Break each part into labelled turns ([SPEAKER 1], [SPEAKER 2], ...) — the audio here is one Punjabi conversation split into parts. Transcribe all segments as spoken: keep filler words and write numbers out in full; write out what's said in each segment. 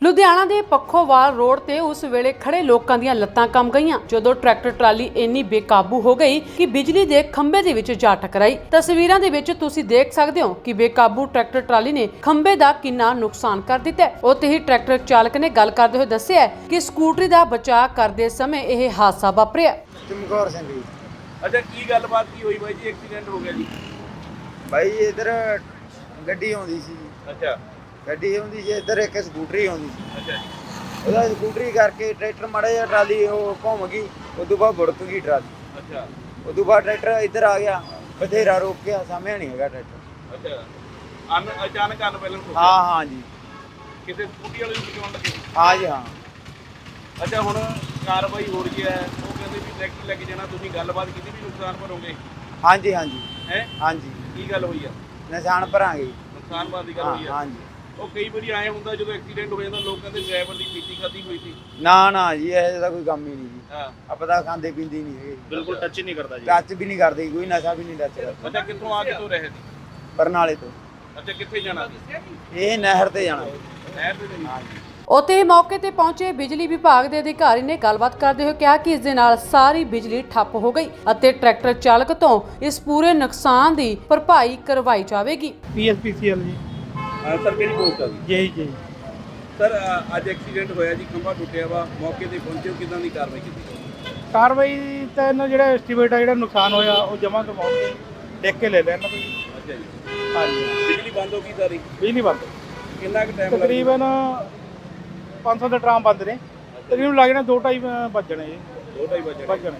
[SPEAKER 1] ਲੁਧਿਆਣਾ ਦੇ ਪੱਖੋਵਾਲ ਰੋਡ ਤੇ ਉਸ ਵੇਲੇ ਖੜੇ ਲੋਕਾਂ ਦੀਆਂ ਲੱਤਾਂ ਕੰਬ ਗਈਆਂ ਜਦੋਂ ਟਰੈਕਟਰ ਟਰਾਲੀ ਇੰਨੀ ਬੇਕਾਬੂ ਹੋ ਗਈ ਕਿ ਬਿਜਲੀ ਦੇ ਖੰਭੇ ਦੇ ਵਿੱਚ ਜਾ ਟਕਰਾਈ। ਤਸਵੀਰਾਂ ਦੇ ਵਿੱਚ ਤੁਸੀਂ ਦੇਖ ਸਕਦੇ ਹੋ ਕਿ ਬੇਕਾਬੂ ਟਰੈਕਟਰ ਟਰਾਲੀ ਨੇ ਖੰਭੇ ਦਾ ਕਿੰਨਾ ਨੁਕਸਾਨ ਕਰ ਦਿੱਤਾ ਹੈ। ਉੱਥੇ ਹੀ ਟਰੈਕਟਰ ਚਾਲਕ ਨੇ ਗੱਲ ਕਰਦੇ ਹੋਏ ਦੱਸਿਆ ਕਿ ਸਕੂਟਰੀ ਦਾ ਬਚਾਅ ਕਰਦੇ ਸਮੇਂ ਇਹ ਹਾਦਸਾ ਵਾਪਰਿਆ।
[SPEAKER 2] ਚਮਕੌਰ ਸਿੰਘ ਜੀ।
[SPEAKER 3] ਅੱਛਾ, ਕੀ ਗੱਲਬਾਤ ਕੀ ਹੋਈ ਬਾਈ ਜੀ? ਐਕਸੀਡੈਂਟ ਹੋ ਗਿਆ ਜੀ?
[SPEAKER 2] ਬਾਈ ਇਧਰ ਗੱਡੀ ਆਉਂਦੀ ਸੀ।
[SPEAKER 3] ਅੱਛਾ
[SPEAKER 2] ਗੱਡੀ ਆਉਂਦੀ ਸੀ, ਇੱਧਰ ਇੱਕ ਸਕੂਟਰੀ ਆਉਂਦੀ ਸੀ।
[SPEAKER 3] ਅੱਛਾ ਜੀ।
[SPEAKER 2] ਉਹਦਾ ਸਕੂਟਰੀ ਕਰਕੇ ਟਰੈਕਟਰ ਮਾੜਾ ਜਿਹਾ ਟਰਾਲੀ ਉਹ ਘੁੰਮ ਗਈ, ਉਦੋਂ ਬਾਅਦ ਬੁੜਕ ਗਈ ਟਰਾਲੀ।
[SPEAKER 3] ਅੱਛਾ
[SPEAKER 2] ਉਦੋਂ ਬਾਅਦ ਟਰੈਕਟਰ ਇੱਧਰ ਆ ਗਿਆ, ਬਥੇਰਾ ਰੋਕਿਆ, ਸਾਹਮਣੇ ਨਹੀਂ ਹੈਗਾ ਟਰੈਕਟਰ।
[SPEAKER 3] ਅੱਛਾ, ਅਨ ਅਚਾਨਕ ਅਨ ਪਹਿਲਾਂ
[SPEAKER 2] ਹਾਂ ਹਾਂ ਜੀ,
[SPEAKER 3] ਕਿਸੇ ਸਕੂਟੀ ਵਾਲੇ ਨੂੰ ਬਚਾਉਣ ਲੱਗੇ?
[SPEAKER 2] ਹਾਂ ਜੀ ਹਾਂ।
[SPEAKER 3] ਅੱਛਾ, ਹੁਣ ਕਾਰਵਾਈ ਹੋ ਰਹੀ ਹੈ, ਉਹ ਕਹਿੰਦੇ ਵੀ ਟਰੈਕਟਰ ਲੈ ਕੇ ਜਾਣਾ, ਤੁਸੀਂ ਗੱਲਬਾਤ ਕੀਤੀ ਵੀ ਨੁਕਸਾਨ ਭਰੋਗੇ?
[SPEAKER 2] ਹਾਂਜੀ ਹਾਂਜੀ
[SPEAKER 3] ਹੈ
[SPEAKER 2] ਹਾਂਜੀ,
[SPEAKER 3] ਕੀ ਗੱਲ ਹੋਈ ਆ?
[SPEAKER 2] ਨਿਸ਼ਾਨ ਭਰਾਂਗੇ।
[SPEAKER 3] ਨੁਕਸਾਨ ਬਾਦ ਦੀ ਗੱਲ
[SPEAKER 2] ਹਾਂ
[SPEAKER 3] ਹੋਈ ਆ?
[SPEAKER 2] ਹਾਂਜੀ।
[SPEAKER 3] ਉਹ ਕਈ ਵਾਰੀ ਆਏ ਹੁੰਦਾ ਜਦੋਂ ਐਕਸੀਡੈਂਟ ਹੋ ਜਾਂਦਾ, ਲੋਕ ਕਹਿੰਦੇ ਡਰਾਈਵਰ ਦੀ ਪੀਤੀ ਖਾਦੀ ਹੋਈ ਸੀ।
[SPEAKER 2] ਨਾ ਨਾ ਜੀ, ਇਹੋ ਜਿਹਾ ਕੋਈ ਕੰਮ ਹੀ ਨਹੀਂ ਜੀ।
[SPEAKER 3] ਹਾਂ,
[SPEAKER 2] ਆਪਾਂ ਤਾਂ ਖਾਂਦੇ ਪੀਂਦੇ ਨਹੀਂ ਹੈਗੇ,
[SPEAKER 3] ਬਿਲਕੁਲ ਟੱਚ ਹੀ ਨਹੀਂ ਕਰਦਾ ਜੀ।
[SPEAKER 2] ਟੱਚ ਵੀ ਨਹੀਂ ਕਰਦੇ, ਕੋਈ ਨਸ਼ਾ ਵੀ ਨਹੀਂ ਟੱਚ ਕਰਦਾ।
[SPEAKER 3] ਅੱਛਾ, ਕਿੱਥੋਂ ਆ ਕਿੱਥੋਂ ਰਹੇ ਸੀ?
[SPEAKER 2] ਬਰਨਾਲੇ ਤੋਂ।
[SPEAKER 3] ਅੱਛਾ, ਕਿੱਥੇ ਜਾਣਾ ਸੀ?
[SPEAKER 2] ਇਹ ਨਹਿਰ ਤੇ ਜਾਣਾ।
[SPEAKER 3] ਨਹਿਰ ਤੇ ਜਾਣਾ।
[SPEAKER 2] ਹਾਂਜੀ।
[SPEAKER 1] ਉੱਥੇ ਮੌਕੇ ਤੇ ਪਹੁੰਚੇ ਬਿਜਲੀ ਵਿਭਾਗ ਦੇ ਅਧਿਕਾਰੀ ਨੇ ਗੱਲਬਾਤ ਕਰਦੇ ਹੋਏ ਕਿਹਾ ਕਿ ਇਸ ਦੇ ਨਾਲ ਸਾਰੀ ਬਿਜਲੀ ਠੱਪ ਹੋ ਗਈ ਅਤੇ ਟਰੈਕਟਰ ਚਾਲਕ ਤੋਂ ਇਸ ਪੂਰੇ ਨੁਕਸਾਨ ਦੀ ਭਰਪਾਈ ਕਰਵਾਈ ਜਾਵੇਗੀ।
[SPEAKER 4] ਪੀ ਐਸ ਪੀ ਸੀ ਐਲ ਜੀ।
[SPEAKER 3] ਹਾਂ ਸਰ, ਕਿਹੜੀ ਪੋਸਟ ਆ ਗਈ?
[SPEAKER 4] ਜੀ ਜੀ
[SPEAKER 3] ਸਰ, ਅੱਜ ਐਕਸੀਡੈਂਟ ਹੋਇਆ ਜੀ, ਖੰਭਾ ਟੁੱਟਿਆ ਵਾ, ਮੌਕੇ ਤੇ ਪਹੁੰਚੇ ਹੋ, ਕਿਦਾਂ ਦੀ ਕਾਰਵਾਈ ਕੀਤੀ?
[SPEAKER 4] ਕਾਰਵਾਈ ਤਾਂ ਇਹਨਾਂ ਜਿਹੜਾ ਐਸਟੀਮੇਟ ਆ ਜਿਹੜਾ ਨੁਕਸਾਨ ਹੋਇਆ ਉਹ ਜਮ੍ਹਾਂ ਕਰਵਾਉਣਗੇ, ਦੇਖ ਕੇ ਲੈ ਲੈਣ ਇਹਨਾਂ ਤੋਂ ਜੀ।
[SPEAKER 3] ਅੱਛਾ ਜੀ।
[SPEAKER 4] ਹਾਂਜੀ,
[SPEAKER 3] ਬਿਜਲੀ ਬੰਦ ਹੋ ਗਈ ਸਾਰੀ?
[SPEAKER 4] ਬਿਜਲੀ ਬੰਦ
[SPEAKER 3] ਕਿੰਨਾ ਕੁ ਟਾਈਮ
[SPEAKER 4] ਤਕਰੀਬਨ ਪੰਜ ਸੌ ਦੇ ਟਰਾਮ ਬੰਦ ਨੇ, ਤਕਰੀਬਨ ਲੱਗ ਜਾਣਾ ਦੋ ਢਾਈ ਵੱਜਣੇ ਜੀ।
[SPEAKER 3] ਦੋ ਢਾਈ ਵਜੇ
[SPEAKER 4] ਵੱਜਣੇ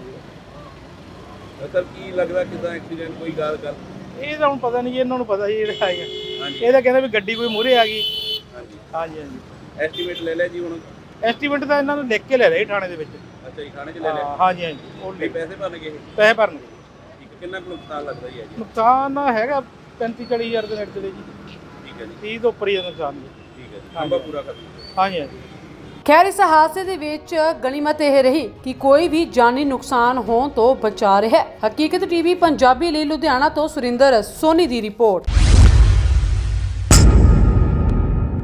[SPEAKER 4] ਜੀ।
[SPEAKER 3] ਸਰ, ਕੀ ਲੱਗਦਾ ਕਿਦਾਂ ਐਕਸੀਡੈਂਟ ਕੋਈ ਗੱਲ ਕਰ?
[SPEAKER 4] ਇਹ ਤਾਂ ਹੁਣ ਪਤਾ ਨਹੀਂ ਜੀ, ਇਹਨਾਂ ਨੂੰ ਪਤਾ ਜੀ ਜਿਹੜਾ ਆਏਗਾ।
[SPEAKER 3] ਹਾਂਜੀ
[SPEAKER 4] ਇਹ ਤਾਂ ਕਹਿੰਦੇ ਵੀ ਗੱਡੀ ਕੋਈ ਮੂਹਰੇ ਆ ਗਈ।
[SPEAKER 3] ਹਾਂਜੀ।
[SPEAKER 4] ਹਾਂਜੀ ਹਾਂਜੀ,
[SPEAKER 3] ਐਸਟੀਮੇਟ ਲੈ ਲਿਆ ਜੀ ਹੁਣ?
[SPEAKER 4] ਐਸਟੀਮੇਟ ਤਾਂ ਇਹਨਾਂ ਨੂੰ ਲਿਖ ਕੇ ਲੈ ਰਹੇ ਥਾਣੇ ਦੇ ਵਿੱਚ।
[SPEAKER 3] ਅੱਛਾ ਜੀ, ਥਾਣੇ 'ਚ ਲੈ ਲਿਆ?
[SPEAKER 4] ਹਾਂਜੀ ਹਾਂਜੀ, ਉਹ
[SPEAKER 3] ਤੇ ਪੈਸੇ ਭਰਨਗੇ ਇਹ?
[SPEAKER 4] ਪੈਸੇ ਭਰਨਗੇ।
[SPEAKER 3] ਠੀਕ ਹੈ, ਕਿੰਨਾ ਕੁ ਨੁਕਸਾਨ ਲੱਗਦਾ ਜੀ? ਹੈ ਜੀ
[SPEAKER 4] ਨੁਕਸਾਨ ਹੈਗਾ ਪੈਂਤੀ ਚਾਲੀ ਹਜ਼ਾਰ ਦੇ ਨੇੜੇ ਤੇੜੇ ਜੀ।
[SPEAKER 3] ਠੀਕ ਹੈ ਜੀ।
[SPEAKER 4] ਤੀਹ ਤੋਂ ਉੱਪਰ ਹੀ ਦਾ ਨੁਕਸਾਨ ਜੀ।
[SPEAKER 3] ਠੀਕ ਹੈ ਜੀ, ਖੰਭਾ ਪੂਰਾ ਕਰ ਦਿਓ।
[SPEAKER 4] ਹਾਂਜੀ ਹਾਂਜੀ।
[SPEAKER 1] ਖੈਰ, ਇਸ ਹਾਦਸੇ ਦੇ ਵਿੱਚ ਗਣੀਮਤ ਇਹ ਰਹੀ ਕਿ ਕੋਈ ਵੀ ਜਾਨੀ ਨੁਕਸਾਨ ਹੋਣ ਤੋਂ ਬਚਾ ਰਿਹਾ ਹੈ। ਹਕੀਕਤ ਟੀਵੀ ਪੰਜਾਬੀ ਲਈ ਲੁਧਿਆਣਾ ਤੋਂ ਸੁਰਿੰਦਰ ਸੋਨੀ ਦੀ ਰਿਪੋਰਟ।